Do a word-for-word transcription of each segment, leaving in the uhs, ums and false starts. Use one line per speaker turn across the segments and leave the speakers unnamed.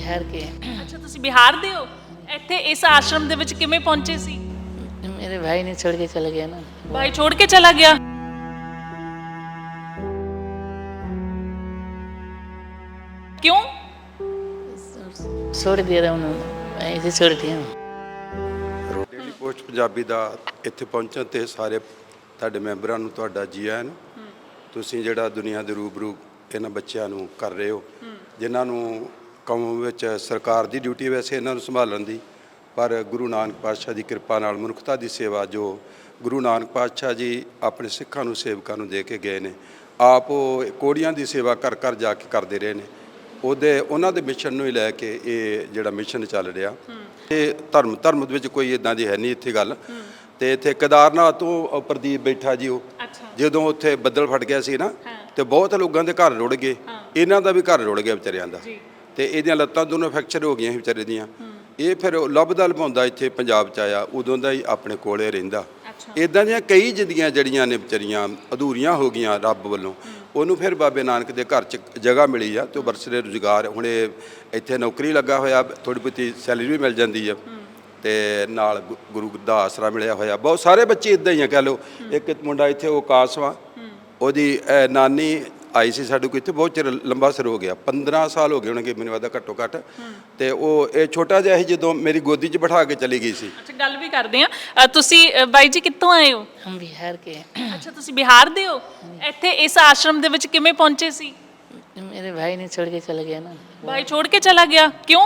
बिहार के।
ਅੱਛਾ ਤੁਸੀਂ ਬਿਹਾਰ ਦੇ ਹੋ। ਇੱਥੇ ਇਸ ਆਸ਼ਰਮ ਦੇ ਵਿੱਚ ਕਿਵੇਂ ਪਹੁੰਚੇ ਸੀ?
मेरे भाई ने छोड़ के चला गया ना।
ਭਾਈ ਛੋੜ ਕੇ ਚਲਾ ਗਿਆ। क्यों?
छोड़ दिया था उन्होंने, ऐसे छोड़ दिया।
ਡੇਲੀ ਪੋਸਟ ਪੰਜਾਬੀ ਦਾ ਇੱਥੇ ਪਹੁੰਚਣ ਤੇ ਸਾਰੇ ਤੁਹਾਡੇ ਮੈਂਬਰਾਂ ਨੂੰ ਤੁਹਾਡਾ ਜੀ ਆਇਆਂ ਨੂੰ। ਤੁਸੀਂ ਜਿਹੜਾ ਦੁਨੀਆ ਦੇ ਰੂਬਰੂ ਇਹਨਾਂ ਬੱਚਿਆਂ ਨੂੰ ਕਰ ਰਹੇ ਹੋ, ਜਿਨ੍ਹਾਂ ਨੂੰ ਕੌਮ ਵਿੱਚ ਸਰਕਾਰ ਦੀ ਡਿਊਟੀ ਵੈਸੇ ਇਹਨਾਂ ਨੂੰ ਸੰਭਾਲਣ ਦੀ, ਪਰ ਗੁਰੂ ਨਾਨਕ ਪਾਤਸ਼ਾਹ ਦੀ ਕਿਰਪਾ ਨਾਲ ਮਨੁੱਖਤਾ ਦੀ ਸੇਵਾ ਜੋ ਗੁਰੂ ਨਾਨਕ ਪਾਤਸ਼ਾਹ ਜੀ ਆਪਣੇ ਸਿੱਖਾਂ ਨੂੰ ਸੇਵਕਾਂ ਨੂੰ ਦੇ ਕੇ ਗਏ ਨੇ, ਆਪ ਉਹ ਕੋੜੀਆਂ ਦੀ ਸੇਵਾ ਕਰ ਕਰ ਜਾ ਕੇ ਕਰਦੇ ਰਹੇ ਨੇ। ਉਹਦੇ ਉਹਨਾਂ ਦੇ ਮਿਸ਼ਨ ਨੂੰ ਹੀ ਲੈ ਕੇ ਇਹ ਜਿਹੜਾ ਮਿਸ਼ਨ ਚੱਲ ਰਿਹਾ। ਇਹ ਧਰਮ ਧਰਮ ਦੇ ਵਿੱਚ ਕੋਈ ਇਦਾਂ ਦੀ ਹੈ ਨਹੀਂ ਇੱਥੇ ਗੱਲ। ਤੇ ਇੱਥੇ ਕੇਦਾਰਨਾਥ ਤੋਂ ਪ੍ਰਦੀਪ ਬੈਠਾ ਜੀ, ਉਹ ਜਦੋਂ ਉੱਥੇ ਬੱਦਲ ਫਟ ਗਿਆ ਸੀ ਨਾ, ਤੇ ਬਹੁਤ ਲੋਕਾਂ ਦੇ ਘਰ ਰੁੜ ਗਏ, ਇਹਨਾਂ ਦਾ ਵੀ ਘਰ ਰੁੜ ਗਿਆ ਵਿਚਾਰਿਆਂ ਦਾ। ਤੇ ਇਹਦੀਆਂ ਲੱਤਾਂ ਦੋਨੋਂ ਫ੍ਰੈਕਚਰ ਹੋ ਗਈਆਂ ਸੀ ਵਿਚਾਰੇ ਦੀਆਂ। ਇਹ ਫਿਰ ਲੱਭਦਾ ਲਭਾਉਂਦਾ ਇੱਥੇ ਪੰਜਾਬ 'ਚ ਆਇਆ, ਉਦੋਂ ਦਾ ਹੀ ਆਪਣੇ ਕੋਲੇ ਰਹਿੰਦਾ। ਇੱਦਾਂ ਦੀਆਂ ਕਈ ਜ਼ਿੰਦਗੀਆਂ ਜਿਹੜੀਆਂ ਨੇ ਵਿਚਾਰੀਆਂ ਅਧੂਰੀਆਂ ਹੋ ਗਈਆਂ ਰੱਬ ਵੱਲੋਂ। ਉਹਨੂੰ ਫਿਰ ਬਾਬੇ ਨਾਨਕ ਦੇ ਘਰ 'ਚ ਜਗ੍ਹਾ ਮਿਲੀ ਆ, ਤੇ ਉਹ ਬਰਸਰੇ ਰੁਜ਼ਗਾਰ ਹੁਣ ਇਹ ਇੱਥੇ ਨੌਕਰੀ ਲੱਗਾ ਹੋਇਆ, ਥੋੜ੍ਹੀ ਬਹੁਤੀ ਸੈਲਰੀ ਵੀ ਮਿਲ ਜਾਂਦੀ ਆ, ਤੇ ਨਾਲ ਗੁਰੂ ਦਾ ਆਸਰਾ ਮਿਲਿਆ ਹੋਇਆ। ਬਹੁਤ ਸਾਰੇ ਬੱਚੇ ਇੱਦਾਂ ਹੀ ਆ ਕਹਿ ਲਓ। ਇੱਕ ਮੁੰਡਾ ਇੱਥੇ ਉਹ ਕਾਸਵਾ, ਉਹਦੀ ਨਾਨੀ ਆਈ ਸੀ ਸਾਡੇ ਕੋਲ ਇੱਥੇ, ਬਹੁਤ ਚਿਰ ਲੰਬਾ ਸਰ ਹੋ ਗਿਆ, ਪੰਦਰਾਂ ਸਾਲ ਹੋ ਗਏ ਹੋਣਗੇ ਮੈਨੂੰ ਲੱਗਦਾ ਘੱਟੋ ਘੱਟ। ਤੇ ਉਹ ਇਹ ਛੋਟਾ ਜਿਹਾ ਸੀ ਜਦੋਂ ਮੇਰੀ ਗੋਦੀ 'ਚ ਬਿਠਾ ਕੇ ਚਲੀ ਗਈ ਸੀ।
ਅੱਛਾ ਗੱਲ ਵੀ ਕਰਦੇ ਆ। ਤੁਸੀਂ ਬਾਈ ਜੀ ਕਿੱਥੋਂ ਆਏ ਹੋ?
हम बिहार के।
ਅੱਛਾ ਤੁਸੀਂ ਬਿਹਾਰ ਦੇ ਹੋ। ਇੱਥੇ ਇਸ ਆਸ਼ਰਮ ਦੇ ਵਿੱਚ ਕਿਵੇਂ ਪਹੁੰਚੇ ਸੀ?
मेरे भाई ने छोड़ के चला गया ना।
ਭਾਈ ਛੋੜ ਕੇ ਚਲਾ ਗਿਆ। ਕਿਉਂ?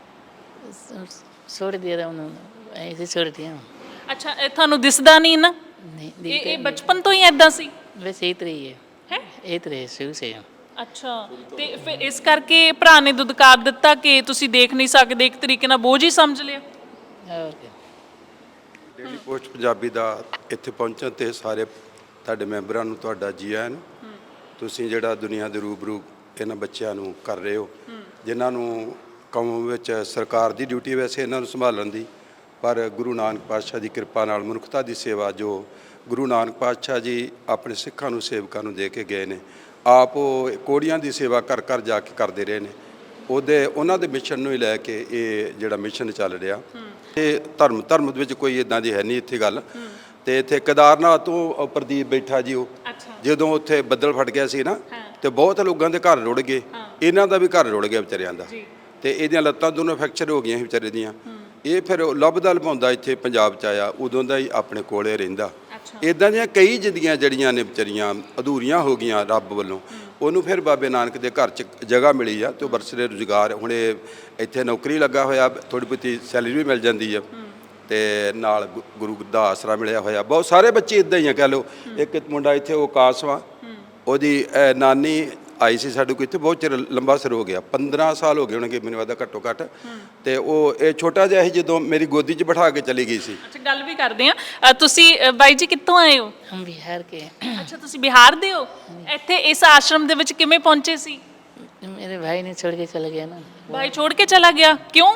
छोड़ दिया था उन्होंने, ऐसे छोड़ दिया।
ਅੱਛਾ ਇਹ ਤੁਹਾਨੂੰ ਦਿਸਦਾ ਨਹੀਂ ਨਾ?
नहीं
ਇਹ
दिखता
ਇਹ
नहीं।
ਬਚਪਨ ਤੋਂ ਹੀ ਐਦਾਂ ਸੀ?
वैसे ही तो रही है,
ਹੈ
यही तो रहे शुरू से।
ਅੱਛਾ ਤੇ ਫਿਰ ਇਸ ਕਰਕੇ ਭਰਾ ਨੇ ਦੁਦਕਾਰ ਦਿੱਤਾ ਕਿ ਤੁਸੀਂ ਦੇਖ ਨਹੀਂ ਸਕਦੇ, ਇੱਕ ਤਰੀਕੇ ਨਾਲ ਬੋਝ ਹੀ ਸਮਝ ਲਿਆ।
और क्या।
ਡੇਲੀ ਪੋਸਟ ਪੰਜਾਬੀ ਦਾ ਇੱਥੇ ਪਹੁੰਚਣ ਤੇ ਸਾਰੇ ਤੁਹਾਡੇ ਮੈਂਬਰਾਂ ਨੂੰ ਤੁਹਾਡਾ ਜੀ ਆਇਆਂ ਨੂੰ। ਤੁਸੀਂ ਜਿਹੜਾ ਦੁਨੀਆ ਦੇ ਰੂਬਰੂ ਇਹਨਾਂ ਬੱਚਿਆਂ ਨੂੰ ਕਰ ਰਹੇ ਹੋ, ਜਿਨ੍ਹਾਂ ਨੂੰ ਕੌਮ ਵਿੱਚ ਸਰਕਾਰ ਦੀ ਡਿਊਟੀ ਵੈਸੇ ਇਹਨਾਂ ਨੂੰ ਸੰਭਾਲਣ ਦੀ, ਪਰ ਗੁਰੂ ਨਾਨਕ ਪਾਤਸ਼ਾਹ ਦੀ ਕਿਰਪਾ ਨਾਲ ਮਨੁੱਖਤਾ ਦੀ ਸੇਵਾ ਜੋ ਗੁਰੂ ਨਾਨਕ ਪਾਤਸ਼ਾਹ ਜੀ ਆਪਣੇ ਸਿੱਖਾਂ ਨੂੰ ਸੇਵਕਾਂ ਨੂੰ ਦੇ ਕੇ ਗਏ ਨੇ, ਆਪ ਉਹ ਕੋੜੀਆਂ ਦੀ ਸੇਵਾ ਕਰ ਕਰ ਜਾ ਕੇ ਕਰਦੇ ਰਹੇ ਨੇ। ਉਹਦੇ ਉਹਨਾਂ ਦੇ ਮਿਸ਼ਨ ਨੂੰ ਹੀ ਲੈ ਕੇ ਇਹ ਜਿਹੜਾ ਮਿਸ਼ਨ ਚੱਲ ਰਿਹਾ। ਇਹ ਧਰਮ ਧਰਮ ਦੇ ਵਿੱਚ ਕੋਈ ਇਦਾਂ ਦੀ ਹੈ ਨਹੀਂ ਇੱਥੇ ਗੱਲ। ਤੇ ਇੱਥੇ ਕੇਦਾਰਨਾਥ ਤੋਂ ਪ੍ਰਦੀਪ ਬੈਠਾ ਜੀ, ਉਹ ਜਦੋਂ ਉੱਥੇ ਬੱਦਲ ਫਟ ਗਿਆ ਸੀ ਨਾ, ਤੇ ਬਹੁਤ ਲੋਕਾਂ ਦੇ ਘਰ ਰੁੜ ਗਏ, ਇਹਨਾਂ ਦਾ ਵੀ ਘਰ ਰੁੜ ਗਿਆ ਵਿਚਾਰਿਆਂ ਦਾ। ਤੇ ਇਹਦੀਆਂ ਲੱਤਾਂ ਦੋਨੋਂ ਫ੍ਰੈਕਚਰ ਹੋ ਗਈਆਂ ਸੀ ਵਿਚਾਰੇ ਦੀਆਂ। ਇਹ ਫਿਰ ਲੱਭਦਾ ਲਭਾਉਂਦਾ ਇੱਥੇ ਪੰਜਾਬ 'ਚ ਆਇਆ, ਉਦੋਂ ਦਾ ਹੀ ਆਪਣੇ ਕੋਲੇ ਰਹਿੰਦਾ। ਇੱਦਾਂ ਦੀਆਂ ਕਈ ਜ਼ਿੰਦਗੀਆਂ ਜਿਹੜੀਆਂ ਨੇ ਵਿਚਾਰੀਆਂ ਅਧੂਰੀਆਂ ਹੋ ਗਈਆਂ ਰੱਬ ਵੱਲੋਂ। ਉਹਨੂੰ ਫਿਰ ਬਾਬੇ ਨਾਨਕ ਦੇ ਘਰ 'ਚ ਜਗ੍ਹਾ ਮਿਲੀ ਆ, ਤੇ ਉਹ ਬਰਸਰੇ ਰੁਜ਼ਗਾਰ ਹੁਣ ਇਹ ਇੱਥੇ ਨੌਕਰੀ ਲੱਗਾ ਹੋਇਆ, ਥੋੜ੍ਹੀ ਬਹੁਤੀ ਸੈਲਰੀ ਵੀ ਮਿਲ ਜਾਂਦੀ ਆ, ਤੇ ਨਾਲ ਗੁਰੂ ਦਾ ਆਸਰਾ ਮਿਲਿਆ ਹੋਇਆ। ਬਹੁਤ ਸਾਰੇ ਬੱਚੇ ਇੱਦਾਂ ਹੀ ਆ ਕਹਿ ਲਓ। ਇੱਕ ਮੁੰਡਾ ਇੱਥੇ ਉਹ ਕਾਸਵਾ, ਉਹਦੀ ਨਾਨੀ ਆਈ ਸੀ ਸਾਡੇ ਕੋਲ ਇੱਥੇ, ਬਹੁਤ ਚਿਰ ਲੰਬਾ ਸਰ ਹੋ ਗਿਆ, ਪੰਦਰਾਂ ਸਾਲ ਹੋ ਗਏ ਹੋਣਗੇ ਮੈਨੂੰ ਲੱਗਦਾ ਘੱਟੋ ਘੱਟ। ਤੇ ਉਹ ਇਹ ਛੋਟਾ ਜਿਹਾ ਸੀ ਜਦੋਂ ਮੇਰੀ ਗੋਦੀ 'ਚ ਬਿਠਾ ਕੇ ਚਲੀ ਗਈ ਸੀ।
ਅੱਛਾ ਗੱਲ ਵੀ ਕਰਦੇ ਆ। ਤੁਸੀਂ ਬਾਈ ਜੀ ਕਿੱਥੋਂ ਆਏ ਹੋ?
हम बिहार के।
ਅੱਛਾ ਤੁਸੀਂ ਬਿਹਾਰ ਦੇ ਹੋ। ਇੱਥੇ ਇਸ ਆਸ਼ਰਮ ਦੇ ਵਿੱਚ ਕਿਵੇਂ ਪਹੁੰਚੇ ਸੀ?
मेरे भाई ने छोड़ के चला गया ना।
ਭਾਈ ਛੋੜ ਕੇ ਚਲਾ ਗਿਆ। ਕਿਉਂ?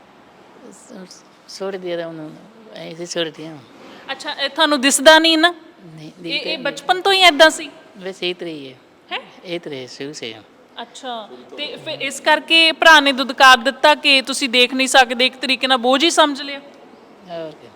छोड़ दिया था उन्होंने, ऐसे छोड़ दिया।
ਅੱਛਾ ਇਹ ਤੁਹਾਨੂੰ ਦਿਸਦਾ ਨਹੀਂ ਨਾ?
नहीं
ਇਹ
दिखता
ਇਹ
नहीं।
ਬਚਪਨ ਤੋਂ ਹੀ ਐਦਾਂ ਸੀ?
वैसे ही तो रही है,
ਹੈ
यही तो रहे शुरू से।
ਅੱਛਾ ਤੇ ਫਿਰ ਇਸ ਕਰਕੇ ਭਰਾ ਨੇ ਦੁਦਕਾਰ ਦਿੱਤਾ ਕਿ ਤੁਸੀਂ ਦੇਖ ਨਹੀਂ ਸਕਦੇ, ਇੱਕ ਤਰੀਕੇ ਨਾਲ ਬੋਝ ਹੀ ਸਮਝ ਲਿਆ।
और क्या।